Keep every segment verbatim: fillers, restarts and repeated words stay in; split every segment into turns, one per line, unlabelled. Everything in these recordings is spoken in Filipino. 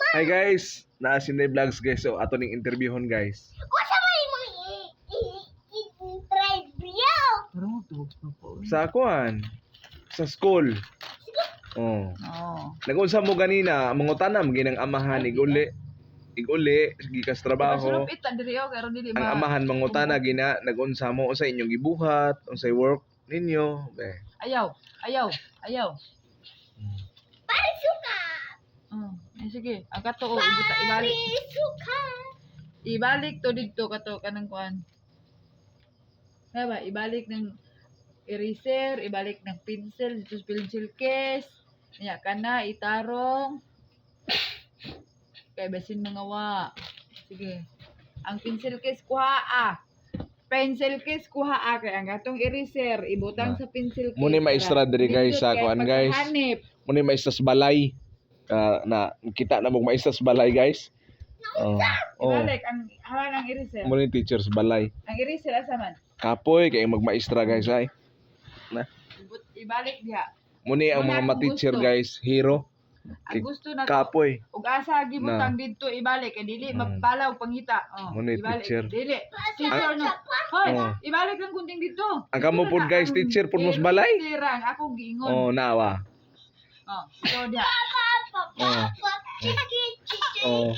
Hi guys, naa Sinday Vlogs guys. So ato ning interviewon guys.
Usa may mga i-drive niyo.
Sa kuan, sa school. Oh.
Oo.
Nag-unsa mo ganina, mangutana mo ginang amahan iguli. Iguli gikas trabaho.
Sulupit ta diri o karon dili
Ang
ma.
amahan mangutana gina nag-unsa mo sa inyong gibuhat, unsay work ninyo. Be.
Ayaw, ayaw, ayaw.
Pare suka.
Mm. Eh, sige, ang kato o ibuta ibalik.
Pare suka.
Ibalik to didto kato kanang kuan. Diba, ibalik ng eraser, ibalik ng pencil, dito sa pencil case. Nya kana itarong. Kay basin mga wa. Sige. Ang pencil case kuha ah. Pencil case kuha ah kay ang gatong eraser ibutang
Ah.
sa pencil case.
Muni maestra diri guys sa kuan guys.
Hanip.
Muni maestra sa balay. Ah, na kita na mo maestra sa balay guys. Oh. Oh.
Ibalik ang hawan ang eraser.
Muni teacher sa balay.
Ang eraser asa man?
Kapoy kay magmaestra guys ay. Na.
Ibut ibalik diha.
Muni ang mga
Wala akong
ma-teacher
gusto.
guys, hero.
Ang gusto na to.
Kapoy.
Ug asa gibutang didto ibalik kay dili
Mm.
mapalaw pangita. Oh,
Muna yung
ibalik.
teacher.
Dili. Teacher no. Hoy,
Oh.
ibalik lang kunting dito.
Ang kamo pod guys, teacher pod mo sa balay.
Tirang ako giingon.
Oh, nawa.
Oh, so dia.
Oh. Oh.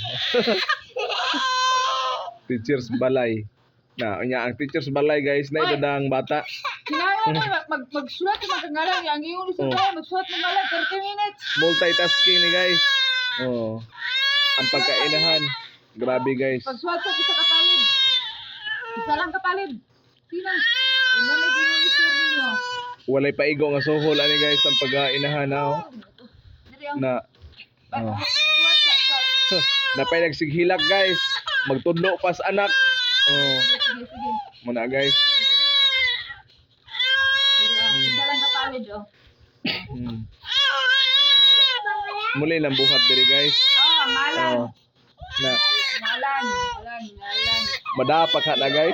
Teacher sa balay. Na, nya ang teacher sa balay guys, na idadang bata.
Kinayo mo mag mag magsulat mo kang ngalan yang ingon sa
Oh.
tayo magsulat mo ngalan thirty minutes.
Multitasking ni guys. Oh. Ang pagkainahan. Grabe guys.
Pagsulat sa isa kapalid. Isa lang kapalid. Sino? Ano na gingon ni sir niyo?
Walay paigo nga suhol ani guys ang pagkainahan na. Oh.
Diri ang
Na
oh. Sulat sa sulat.
napay nagsighilak guys. Magtudlo pas anak. Oh.
Sige, sige.
Muna guys.
Diri ang isa lang kapalid oh.
Hmm. Muli lang buhat diri guys.
Oh, ngalan.
Oh. Na
Ngalan, ngalan, ngalan.
madapak ha na guys.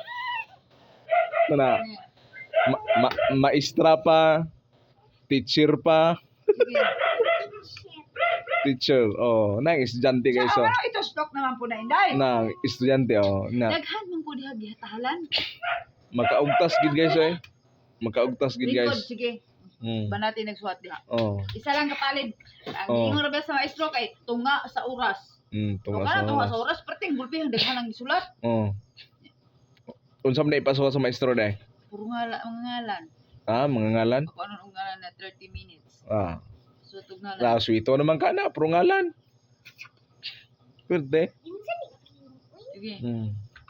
Na ma, ma, maestra pa, teacher pa,
Sige.
teacher. Oh, nang estudyante guys
So,
oh.
ano ito stock naman po na inday?
Nang estudyante oh. Na
Daghan man po diha gihatalan.
makaugtas gid guys eh. Makaugtas gid
Likod,
guys.
sige.
Mm.
Ba natin nagsuhat diha.
Oh.
Isa lang kapalid. Ang
Oh.
ingon ra ba sa maestro kay tunga sa oras.
Mm,
Tunga
tunga
sa
sa
tunga sa
oras.
oras perting gulpi ang daghan ang gisulat.
Oh. Unsa man na ipasuha sa maestro dai?
Puro ngala mga ngalan.
Ah, mga ngalan.
Ako ano ang ngalan na thirty minutes.
Ah.
So tug ngalan.
Na sweeto naman ka na, pro ngalan. Pwede.
Sige.
Mm.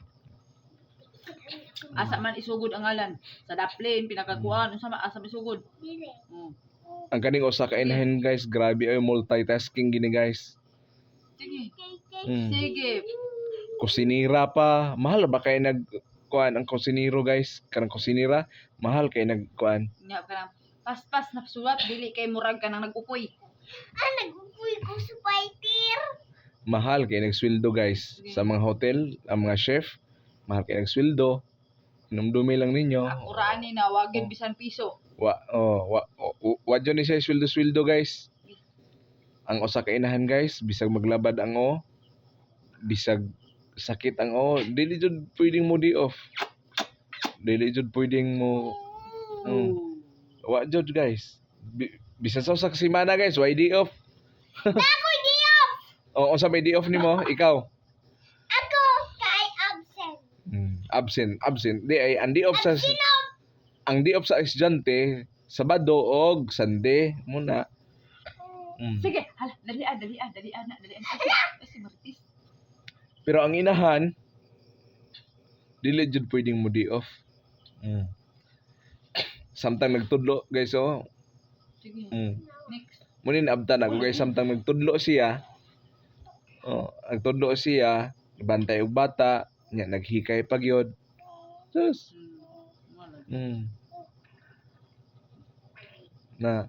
Asa man isugod ang ngalan. Sa daplin pinakakuan unsa man asa man isugod.
Dire.
Mm.
Ang kaning usa ka inahin guys, grabe ay multitasking gini guys.
Sige.
Mm.
Sige.
Kusinira pa, mahal ba kay nag kuan ang kusiniro guys? Kanang kusinira, mahal kay nag kuan.
Nya ka nang paspas na sulat dili kay murag ka nang nagupoy.
Ah, nag-upoy ko sa fighter.
Mahal kay nagsweldo guys sa mga hotel, ang mga chef, mahal kay nagsweldo. Inumdumi lang ninyo.
Ang uraan ni na wagin bisan piso.
Wa oh, wa oh, wa dyan ni siya sweldo-sweldo guys. Ang usa ka inahan guys, bisag maglabad ang o, bisag sakit ang o, dili jud pwedeng mo di off. Dili jud pwedeng mo mm, wa jud guys. Bi- Bisan sa usa ka semana guys, why di off?
Ako di off.
O unsa may di off nimo? Ikaw.
Ako kay absent.
Hmm, absent, absent. Di ay ang di off sa
Sino?
ang di off sa estudyante Sabado og Sunday muna. Mm.
Sige, hala, dali ah, dali ah, dali ah, na, dali ah. Ay, si Martis.
Pero ang inahan, dili jud pwedeng mo di off. Mm. Samtang nagtudlo guys oh.
Sige,
Mm.
next.
Munin abtan ako guys samtang nagtudlo siya. Oh, nagtudlo siya, bantay og bata, nya naghikay pa gyud. Sus.
Hmm, wala.
Mm. Na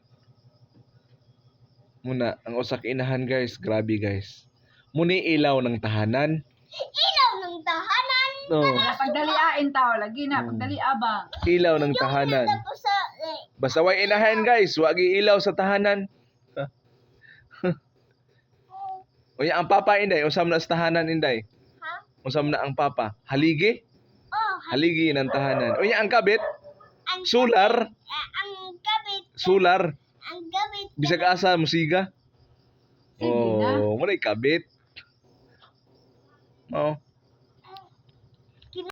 muna ang usa ka inahan guys, grabe guys. Muni ilaw ng tahanan.
Ilaw ng tahanan.
No,
Wala, pagdaliain tao, lagi na,
Hmm.
pagdalia ba?
ilaw ng tahanan.
Tapos sa eh,
Basta way inahan guys, wag ilaw sa tahanan. Unya ang papa inday, usam na sa tahanan inday.
Ha?
Usam na ang papa. Haligi?
Oh,
Haligi ng tahanan. Unya ang kabit,
ang
sular,
ah, ang gabit.
sular.
Ang gabit.
Bisag asa musiga.
Sige na.
Oh, mo kabit. Oh.